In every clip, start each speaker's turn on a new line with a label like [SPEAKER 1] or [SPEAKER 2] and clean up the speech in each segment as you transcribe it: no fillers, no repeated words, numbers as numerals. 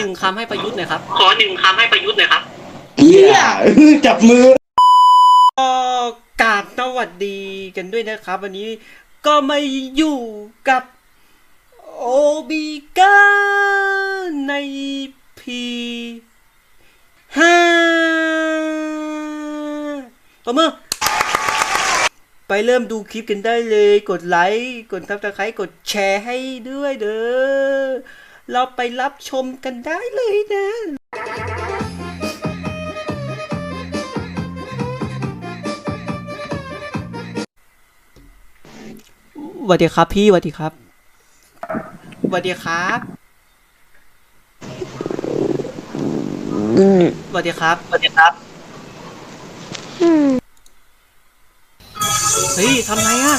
[SPEAKER 1] หนึ่งคำให้ประยุทธ์หน่อยครับ
[SPEAKER 2] ขอหนึ่งคำให้ประยุทธ์หน่อยครับ
[SPEAKER 3] เฮียจับมือ
[SPEAKER 1] ก็กราบสวัสดีกันด้วยนะครับวันนี้ก็มาอยู่กับโอบิก้าในพี5ต่อมือไปเริ่มดูคลิปกันได้เลยกดไลค์กดซับสไครต์กดแชร์ให้ด้วยเด้อเราไปรับชมกันได้เลยนะสวัสดีครับพี่สวัสดีครับสวัสดีครับสวัสดีครับ
[SPEAKER 2] สวัสดีครับ
[SPEAKER 1] เฮ้ยทำไรอ่ะ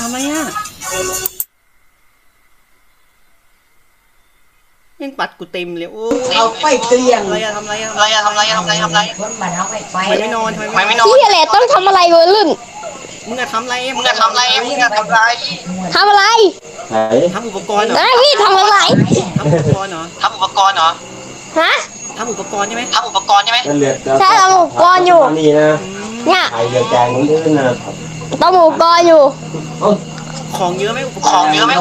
[SPEAKER 1] ยังปัดกูเต็มเลยโอ้
[SPEAKER 4] เอาไปเกลี้ยง
[SPEAKER 1] อะไรอะทำไร
[SPEAKER 4] คนบ้านเอาไป
[SPEAKER 1] ทำไมไม่นอน
[SPEAKER 5] พี่อะไรต้องทำอะไรวะลุ่น
[SPEAKER 1] มึงอะทำไร
[SPEAKER 5] ทำอะไร
[SPEAKER 1] ทำอุปกรณ์เหรอ
[SPEAKER 5] พี่ทำอะไร
[SPEAKER 1] ทำอุปกรณ์เหรอ
[SPEAKER 5] ฮะ
[SPEAKER 1] ทำอุปกรณ์ใช่ไหม
[SPEAKER 5] ใช่ทำหมูกรอนอยู่เนี่ยต้องหมูกรอนอยู่
[SPEAKER 1] ของเยอะไหมอุปกรณ์
[SPEAKER 2] ของเยอะไหม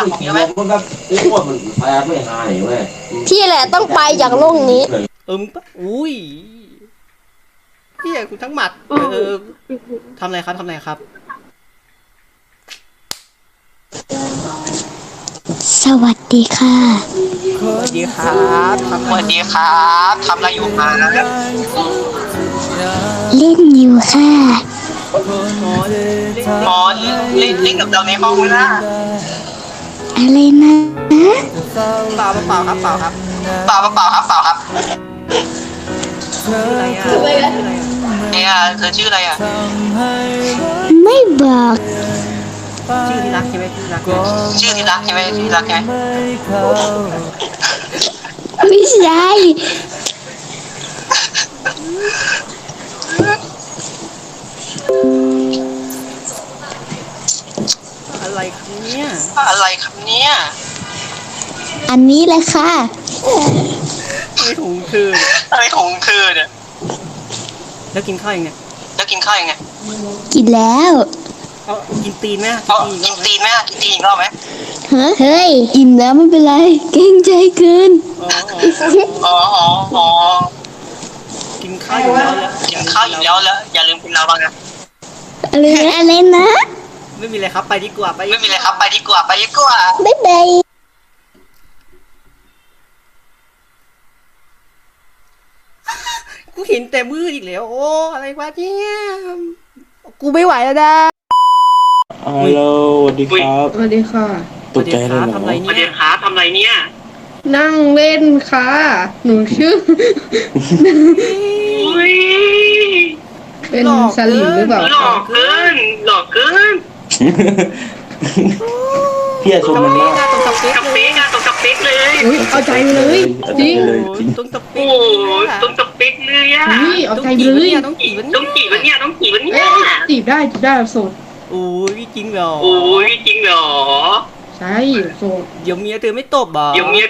[SPEAKER 5] พี่แหละต้องไปจากโลกนี้
[SPEAKER 1] มึงปะอุ้ยพี่กูทั้งหมัดทำอะไรครับ
[SPEAKER 5] สวัสดีค่ะ
[SPEAKER 1] สวัสดีครับ
[SPEAKER 2] ทำอะไรอยู่มา
[SPEAKER 5] เล่นอยู่ค่ะ
[SPEAKER 2] หมอเล่นกับเราในห้องนะ
[SPEAKER 5] อะไรนะ
[SPEAKER 1] เปล่าครับ
[SPEAKER 2] เนี่ยเธอชื่ออะไรอ่ะ
[SPEAKER 5] ไม่บอก
[SPEAKER 1] ชื่อที่รักใช่ไหม
[SPEAKER 5] ไม่ใช่
[SPEAKER 1] อะไรครับเนี่ย
[SPEAKER 5] อันนี้เลยค่ะ
[SPEAKER 1] ไม่ถุงคือ
[SPEAKER 2] อะไรของเธอเนี่ย
[SPEAKER 1] แล้วกินข้าวยังไง
[SPEAKER 5] กินแล้ว
[SPEAKER 1] กินตีนไหม
[SPEAKER 2] กินตีนอีกรอบไหม
[SPEAKER 5] เฮ้ยอิ่มแล้วไม่เป็นไรเกรงใจเกิน
[SPEAKER 1] กินข้าวอยู่แล้ว
[SPEAKER 2] อย่าลืมกินเราบ้างนะ
[SPEAKER 5] อะไรนะ
[SPEAKER 1] ไม่มีอะไรครับไปดีกว่า
[SPEAKER 5] บ๊ายบาย
[SPEAKER 1] กูเห็นแต่มืดอีกแล้วโอ้อะไรวะเนี่ยกูไม่ไหวแล้วนะ
[SPEAKER 3] ฮัลโหลสวัสดีครับ
[SPEAKER 6] สวัสดีค่ะ
[SPEAKER 3] ตกใจเลยเหรอ
[SPEAKER 1] ทำไรเนี่ย
[SPEAKER 6] นั่งเล่นค่ะหนูชื่อเป็นสลิมหรือเปล่า
[SPEAKER 2] หลอกเกิน
[SPEAKER 3] พี่ชมมันมาก
[SPEAKER 1] ตรงสเปคเลย
[SPEAKER 6] อุ้ยเอาใจเลยจริง
[SPEAKER 1] ตรงสเปค
[SPEAKER 2] เลยอ่ะ
[SPEAKER 6] เอาใจเลย
[SPEAKER 1] ต้องจีบวัน
[SPEAKER 6] นี้จีบได้โสด
[SPEAKER 1] โอ้ยจริงเหรอ
[SPEAKER 6] ใช่โสด
[SPEAKER 1] เดี๋ยวเมียเธอไม่ตบบ่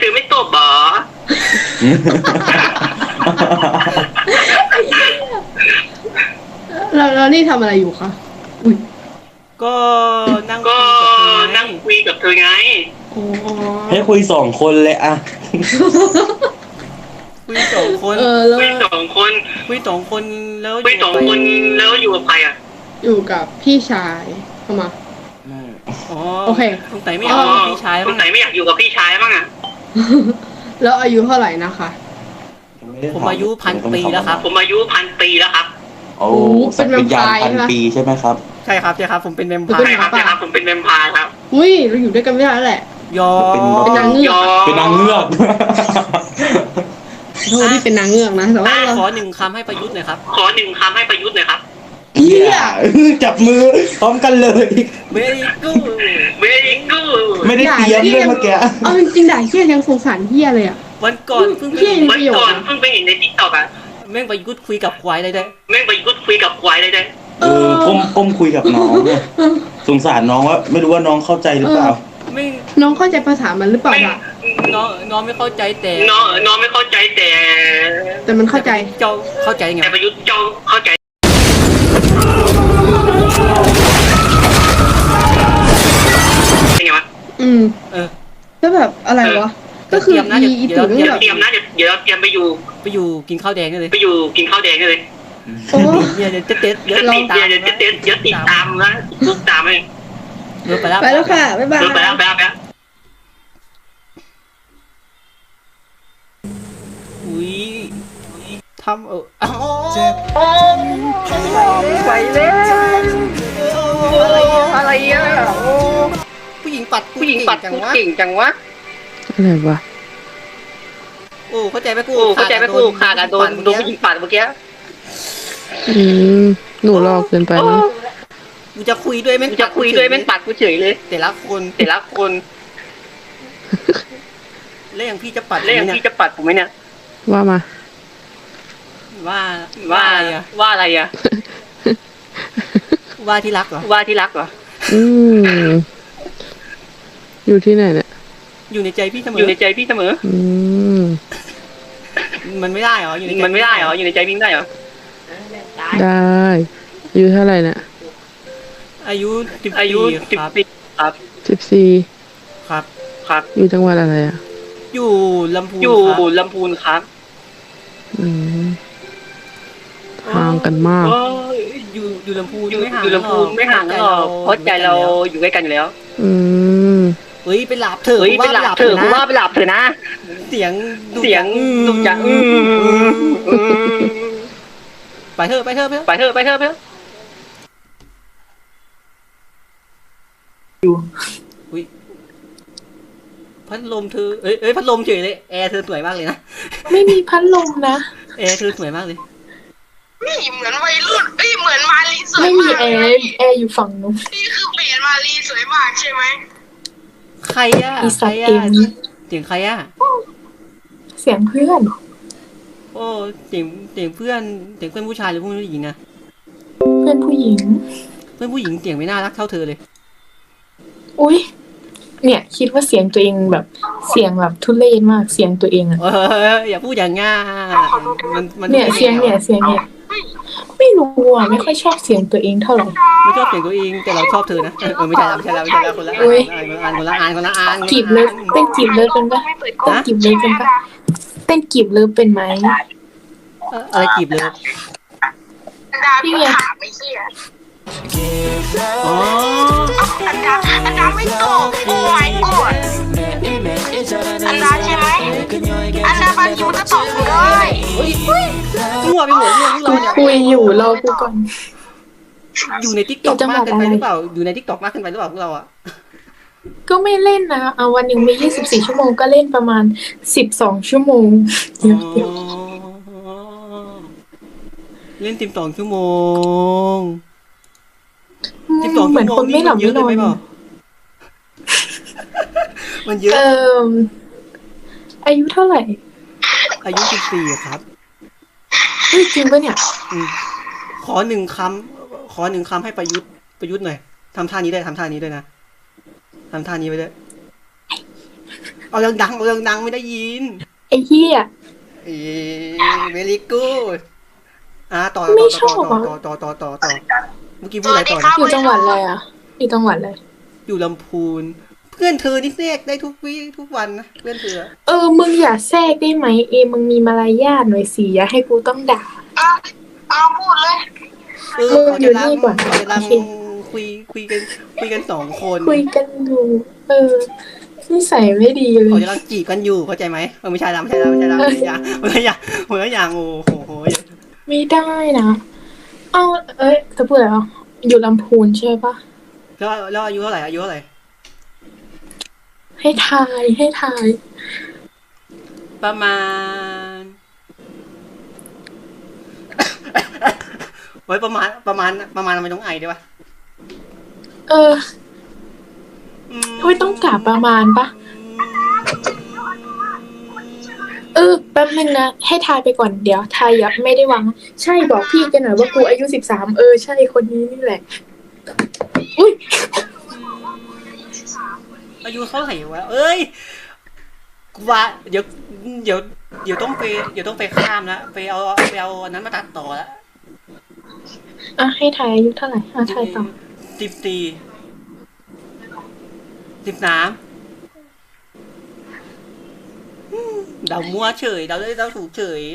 [SPEAKER 6] แล้วนี่ทำอะไรอยู่คะอุ้ย
[SPEAKER 1] ก็นั่ง
[SPEAKER 2] คุยกับเธอไง
[SPEAKER 3] ให้คุย2 คนเลยอะ
[SPEAKER 1] คุย2 คน
[SPEAKER 2] แล้วอยู่กับใครอ่ะ
[SPEAKER 6] อยู่กับพี่ชายเข้ามาโอเค
[SPEAKER 1] สงสัยไม่อยากอยู่กับพี่ชายบ้างอ่ะ
[SPEAKER 6] แล้วอายุเท่าไหร่นะคะ
[SPEAKER 1] ผมอายุ1,000 ปีแล้วครับ
[SPEAKER 3] โอ้เป็นวิญญาณ1,000 ปีใช่ไหมครับ
[SPEAKER 1] ใช่ครับผมเป็นแวมไพร์
[SPEAKER 2] ครับ
[SPEAKER 6] อุ้ยเราอยู่ด้วยกันไม่ได้แล้วแหละเป็นนางเงือกที่เป็นนางเงือกนะแต่ว่า
[SPEAKER 1] ขอ1 คำให้ประยุทธ์หน่อยครับ
[SPEAKER 3] เฮียจับมือพร้อมกันเลย
[SPEAKER 1] very good
[SPEAKER 3] ไม่ได้เตรียมเลยเมื่อกี้
[SPEAKER 6] เอาจริงๆด่าเฮียยังสงสารเฮียเลยอ่ะ
[SPEAKER 1] วันก่อนเพิ่งไปเห็น
[SPEAKER 2] ใน TikTok อ่ะ
[SPEAKER 1] แม่งไปยุดคุยกับควายเลยได้
[SPEAKER 3] ก้มคุยกับน้องสงสารน้องว่าไม่รู้ว่าน้องเข้าใจหรือเปล่า
[SPEAKER 6] น้องเข้าใจภาษามันหรือเปล่า
[SPEAKER 1] น้องไม่เข้าใจแต่
[SPEAKER 6] แต่มันเข้าใจ
[SPEAKER 1] เจ้าเข้าใจไง
[SPEAKER 2] แต่ประยุทธ์เจ้าเข้าใจไงวะ
[SPEAKER 1] เออ
[SPEAKER 6] แล้วแบบอะไรวะ ก็คือ
[SPEAKER 1] เตรียมนะ
[SPEAKER 6] อี
[SPEAKER 1] เดี๋ยว
[SPEAKER 6] ตู่
[SPEAKER 2] เดี๋ยว
[SPEAKER 6] แบบ
[SPEAKER 2] เตรียมนะเดี๋ยวเตรียมไปอยู่
[SPEAKER 1] ไปอยู่กินข้าวแดงกันเลย
[SPEAKER 2] ไปอยู่กินข้าวแดงกันเลย
[SPEAKER 6] โอ้
[SPEAKER 1] เนี่ยเดี๋ยวเต้นเดี๋ยว
[SPEAKER 2] จะ
[SPEAKER 1] เรา
[SPEAKER 2] ติด
[SPEAKER 1] ตาม
[SPEAKER 2] เดี๋ยวติดตามนะลูกตามไป
[SPEAKER 1] เดี๋ยวไปแล้ว
[SPEAKER 6] ไปแล้วค่ะ บ๊ายบาย
[SPEAKER 2] ไปแล้ว
[SPEAKER 1] อุ้ยทำไปแล้วอะไรอ่ะผู้หญิงปัดเก่งจังวะ
[SPEAKER 6] อะไรวะ
[SPEAKER 1] โอ้เข้าใจไหมกู
[SPEAKER 2] ขาดโดนผู้หญิงปัดเมื่อกี้
[SPEAKER 6] หนูรอเกินไปนะ
[SPEAKER 1] กูจะคุยด้วยแม่ง
[SPEAKER 2] ปัดกูเฉยเลย
[SPEAKER 1] แต่ละคน แล้วอย่างพี่จะปัด
[SPEAKER 2] แล้วอย่างที่จะปัดผมไหมเนี่ย
[SPEAKER 6] ว่ามา
[SPEAKER 1] ว่าอะไรอ่ะ
[SPEAKER 2] ว่า
[SPEAKER 1] ว่าที่รักเหรอ
[SPEAKER 2] ว่าที่รักเหรอ
[SPEAKER 6] อยู่ที่ไหนเนี่ย
[SPEAKER 1] อยู่ในใจพี่เสมอ
[SPEAKER 2] อยู่ในใจพี่เสมอ
[SPEAKER 1] มันไม่ได้เหรออยู่ในใจ
[SPEAKER 2] มันไม่ได้เหรออยู่ในใจพี่ได้เหรอ
[SPEAKER 6] ได้อายุเท่าไหร่เนี่ย
[SPEAKER 1] อายุ
[SPEAKER 2] อายุ
[SPEAKER 1] ครับ
[SPEAKER 2] 10ครับ
[SPEAKER 6] 14
[SPEAKER 1] ครับ
[SPEAKER 6] อยู่จังหวัดอะไรอ่ะ
[SPEAKER 1] อยู่ลำพูน
[SPEAKER 2] อยู่
[SPEAKER 1] ครับ
[SPEAKER 2] ลำพูนครับ
[SPEAKER 6] ห่างกันมาก
[SPEAKER 1] อยู่ลำพูน
[SPEAKER 2] อยู่ลำพูนไม่ห่างกันหรอกเพราะใจเราอยู่ใกล้กันอยู่แล้ว
[SPEAKER 1] เฮ้ยไปหลับเถอะ
[SPEAKER 2] เฮ้ยไปหลับเถอะผมว่าไปหลับเถอะนะ
[SPEAKER 1] เสียง
[SPEAKER 2] ดุจัง
[SPEAKER 1] ไปเถอะ
[SPEAKER 2] ไปเถอะ
[SPEAKER 1] อุ้ยพัดลมเธอเอ้ยพัดลมเฉยเลยแอร์เธอสวยมากเลยนะ
[SPEAKER 6] ไม่มีพัดลมนะ
[SPEAKER 1] แอร์เธอสวยมากเลย
[SPEAKER 7] นี่เหมือนวัยรุ่นเหมือนมารีสวย
[SPEAKER 6] ไม่มี
[SPEAKER 7] มาก
[SPEAKER 6] แอร์อยู่ฝั่งนู้น
[SPEAKER 7] นี่คือเปลี่ยนมารีสวยมากใช่ไหม
[SPEAKER 1] ใครอ่ะ
[SPEAKER 6] อีสัตว์เอง
[SPEAKER 1] เสียงใครอ่ะ
[SPEAKER 6] เสียงเพื่อน
[SPEAKER 1] โอ้เสียงเพื่อนผู้ชายหรือผู้หญิงนะ
[SPEAKER 6] เพื่อนผู้หญิง
[SPEAKER 1] เพื่อนผู้หญิงเสียงไม่น่ารักเท่าเธอเลย
[SPEAKER 6] อุ๊ย เนี่ยคิดว่าเสียงตัวเองแบบเสียงแบบทุเรศมากเสียงตัวเองอะ
[SPEAKER 1] อย่าพูดอย่างง่ามัน
[SPEAKER 6] เนี่ยเสียงเนี่ยไม่รู้อ่ะไม่ค่อยชอบเสียงตัวเองเท่าไหร่
[SPEAKER 1] ไม่ชอบเสียงตัวเองแต่เราชอบเธอนะไม่ใช่แล้วคนละ
[SPEAKER 6] อุ๊ย
[SPEAKER 1] คนละอ่าน
[SPEAKER 6] กีบเลิฟเต้นกีบเลิฟเป็นปะเต้นกีบเลิฟเป็นปะเต้นกีบเลิฟเป็นไหม
[SPEAKER 1] อะไรกีบเลย
[SPEAKER 7] ดาพี่ถามไม่เชี่ย
[SPEAKER 1] อ๋อ
[SPEAKER 7] อันดาไม่ตอบโอ้ my god อันดาใช่ไหมอันดาบางทีมันก็ตอบกูได้
[SPEAKER 1] มั่วไปหมดเรื่องพวกเราเนี่ย
[SPEAKER 6] คุยอยู่รอกูก่อน
[SPEAKER 1] อยู่ในทิกตอกมากเกินไปหรือเปล่าอยู่ในทิกตอกมากเกินไปหรือเปล่าพวกเราอ่ะ
[SPEAKER 6] ก็ไม่เล่นนะเอาวันหนึ่งมี24 ชั่วโมงก็เล่นประมาณ12 ชั่วโมง
[SPEAKER 1] เล่น12 ชั่วโมง
[SPEAKER 6] เหมือนคนไม่หลับไม่นอน
[SPEAKER 1] มันเยอะ
[SPEAKER 6] อายุเท่าไหร่
[SPEAKER 1] อายุ14ครับ
[SPEAKER 6] เฮ้ยจริงปะเนี่ย
[SPEAKER 1] ขอหนึ่งคำให้ประยุทธ์หน่อยทำท่านี้ด้วยนะทำท่านี้ไปด้วยเอาดังไม่ได้ยิน
[SPEAKER 6] ไอ้เหี้ย
[SPEAKER 1] เวลิกูดต่อ
[SPEAKER 6] ไม่ชอบอ่ะ
[SPEAKER 1] ต่อเมื่อกี้พูดอะไรต่อนะ
[SPEAKER 6] อยู่จังหวัดอะไรอ่ะอยู่จังหวัดอะไร
[SPEAKER 1] อยู่ลำพูน เพื่อนเธอนี่แทรกได้ทุกวันนะเพื่อนเธอ
[SPEAKER 6] มึงอย่าแทรกได้ไหมมึงมีมารยาทหน่อยสิอย่าให้กูต้องด่า
[SPEAKER 7] เอาพูดเลย
[SPEAKER 6] อยู่นี่ก่อน
[SPEAKER 1] ขอเวลาคุยกัน2 คน
[SPEAKER 6] คุยกันอยู่นิสัยไม่ดีเล
[SPEAKER 1] ขอย จะรังจีบกันอยู่เข้าใจไหมไม่ใช่ละคนละอย่างโอ้โห
[SPEAKER 6] ไม่ได้นะจะพูดอะไรอ่ะอยู่ลำพูนใช่ปะ
[SPEAKER 1] แล้วอายุเท่าไหร่
[SPEAKER 6] ให้ทาย
[SPEAKER 1] ประมาณไว้ประมาณทำไมต้องไอด้วยวะ
[SPEAKER 6] ไม่ต้องกลับประมาณปะแป๊บนึงนะให้ทายไปก่อนเดี๋ยวทายยับไม่ได้วางใช่บอกพี่กันหน่อยว่ากูอายุ13ใช่คนนี้นี่แหละอุ้ย
[SPEAKER 1] อายุเท่าไหร่วะเอ้ยกูว่าเดี๋ยวเดี๋ยวต้องไปข้ามละไปเอาอันนั้นมาตัดต่อละ
[SPEAKER 6] อ่ะให้ทายอายุเท่าไหร่อ่ะทายต่อ
[SPEAKER 1] 13เดามั่วเฉยเดาถูกเฉย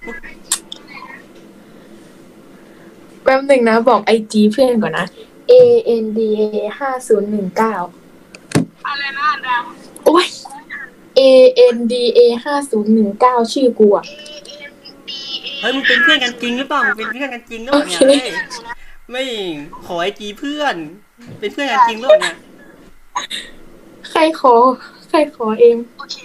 [SPEAKER 6] แป๊บหนึ่งนะบอกไอจีเพื่อนก่อนนะ ANDA 5019
[SPEAKER 7] อะไรนะอันดา
[SPEAKER 6] โอ้ย ANDA 5019ชื่อกูอ่ะ
[SPEAKER 1] เฮ้ยมึงเป็นเพื่อนกันจริงหรือเปล่ามึงเป็นเพื่อนกันจริงหรือเปล่าเนี่ย
[SPEAKER 6] โอเค
[SPEAKER 1] เฮ้ยไม่ขอไอจีเพื่อน เป็นเพื่อนกันจริงหรือเปล่าเนี่ย
[SPEAKER 6] ใครขอเองโอเค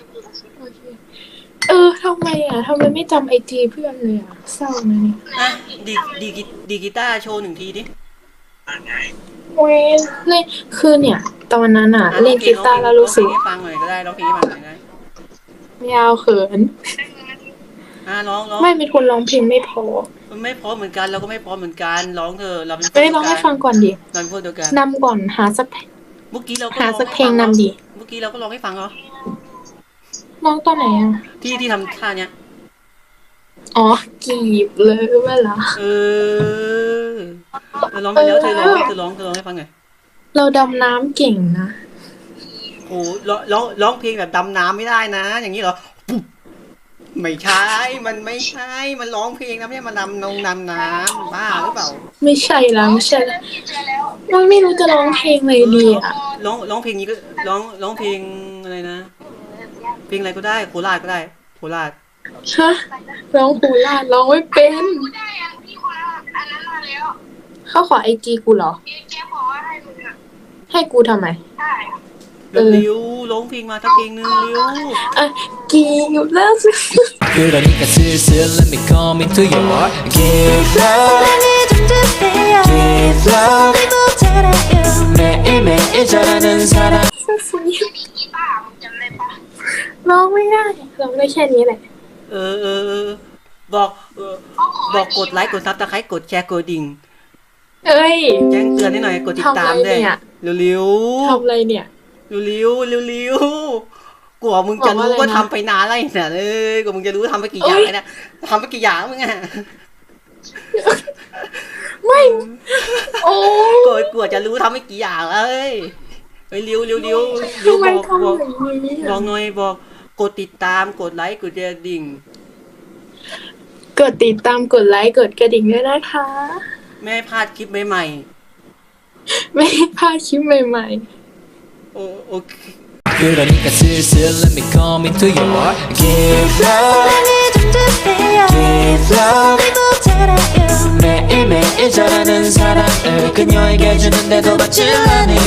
[SPEAKER 6] ทำไมไม่จำไอจีเพื่อนเลยอ่ะเศร้านะเนี่ย
[SPEAKER 1] อ่ะดีกีตาร์โชว์1 ทีดิ
[SPEAKER 6] โอ้ยเลยคือเนี่ย ตอนนั้นอ่ะ เล่นกีตาร์แล้วรู้สึก
[SPEAKER 1] ร้องเพลงให้ฟังหน่อยก็ได้ร้องเพลงให้ฟังหน่อยก็ได้
[SPEAKER 6] ไม่เอาเขิน
[SPEAKER 1] ร้อง
[SPEAKER 6] ไม่เป็นคนร้องเพลงไม่พอ
[SPEAKER 1] มันไม่พร้อมเหมือนกันเราก็ไม่พร้อมเหมือนกันร้องเถอะเราเป็น
[SPEAKER 6] ไม่ร้องให้ฟังก่อนดิ
[SPEAKER 1] เราเป็นพวกเดียวกัน
[SPEAKER 6] นำก่อนหาสัก
[SPEAKER 1] เมื่อกี้เราก็
[SPEAKER 6] หาสักเพลงนำดิ
[SPEAKER 1] เมื่อกี้เราก็ร้องให้ฟังเหรอ
[SPEAKER 6] ร้องตอนไหนอ่ะ
[SPEAKER 1] ที่ทำท่าเนี้ย
[SPEAKER 6] อ๋อกีบเลยเวลา
[SPEAKER 1] ร้องไปแล้วเธอร้องให้ฟังหน่อย
[SPEAKER 6] เราดำน้ำเก่งนะ
[SPEAKER 1] โอ้ร้องเพลงแบบดำน้ำไม่ได้นะ อย่างนี้เหรอปุ๊บไม่ใช่มันไม่ใช่มันร้องเพลงนะไม่ใช่มันดำน้ำบ้าหรือเปล่า
[SPEAKER 6] ไม่ใช่แล้วมันไม่รู้จะร้องเพลงเลยดีอ่ะ
[SPEAKER 1] ร้องเพลงนี้ก็ร้องเพลงอะไรนะ เพลงอะไรก็ได้โคราชก็ได้โคราช
[SPEAKER 6] ฮะร้องโคราชร้องไม่เป็น
[SPEAKER 7] ได้อ่ะพี่คนอันนั้นมาแล้ว
[SPEAKER 6] เขาขอไอจีกูเหรอ
[SPEAKER 7] แกบอกว่าให้มึงอ่ะ
[SPEAKER 6] ให้กูทำไม
[SPEAKER 7] ได้
[SPEAKER 6] เออ
[SPEAKER 1] เร็วร้องเพลงมาสักเพลงนึงเร็ว
[SPEAKER 6] อ่ะกีบแล้วสิ
[SPEAKER 8] 그러니까 슬슬 let me come into your heart Give love Give love 매일매일 잘하는 사람
[SPEAKER 7] กีตาร์มึงจำได้ปะ
[SPEAKER 6] ร้องไม่ได้ร้องได้แค่นี้แหละ
[SPEAKER 1] บอกกดไลค์กดซับสไครต์กดแชร์กดดิ่ง
[SPEAKER 6] เอ้ย
[SPEAKER 1] แจ้งเตือนให้หน่อยกดติดตามด้วย
[SPEAKER 6] ทำอะไรเนี่ย
[SPEAKER 1] เร็ว
[SPEAKER 6] ทำอะไรเนี่ย
[SPEAKER 1] ๆเร็วๆกลัวมึงจะรู้
[SPEAKER 6] บอกว่าอะไรนะ
[SPEAKER 1] ว่าทำไปนานอะไรเนี่ยกลัวมึงจะรู้ทำไปกี่อย่างแล้วนะทำไปกี่อย่างมึงอ่ะ
[SPEAKER 6] ไม่โอ้
[SPEAKER 1] กลัวจะรู้ทำไปกี่อย่างแล้วเฮ้ยเร็ว
[SPEAKER 6] ทำไม
[SPEAKER 1] บอก
[SPEAKER 6] ทำอย่างนี้
[SPEAKER 1] บอก
[SPEAKER 6] อ่ะ
[SPEAKER 1] หน่อยบอกกดติดตามกดไลค์กดแชร์ดิ่ง
[SPEAKER 6] กดติดตามกดไลค์กดกระดิ่งด้วยนะคะ
[SPEAKER 1] ไม่ให้พลาดคลิปใหม่
[SPEAKER 6] ไม่ให้พลาดคลิปใหม่
[SPEAKER 1] ๆโอเค
[SPEAKER 8] 그러니까 슬슬 let me come into your heart Give love Give love 매일매일 잘하는 사랑을 그녀에게 주는데도 받질 않으니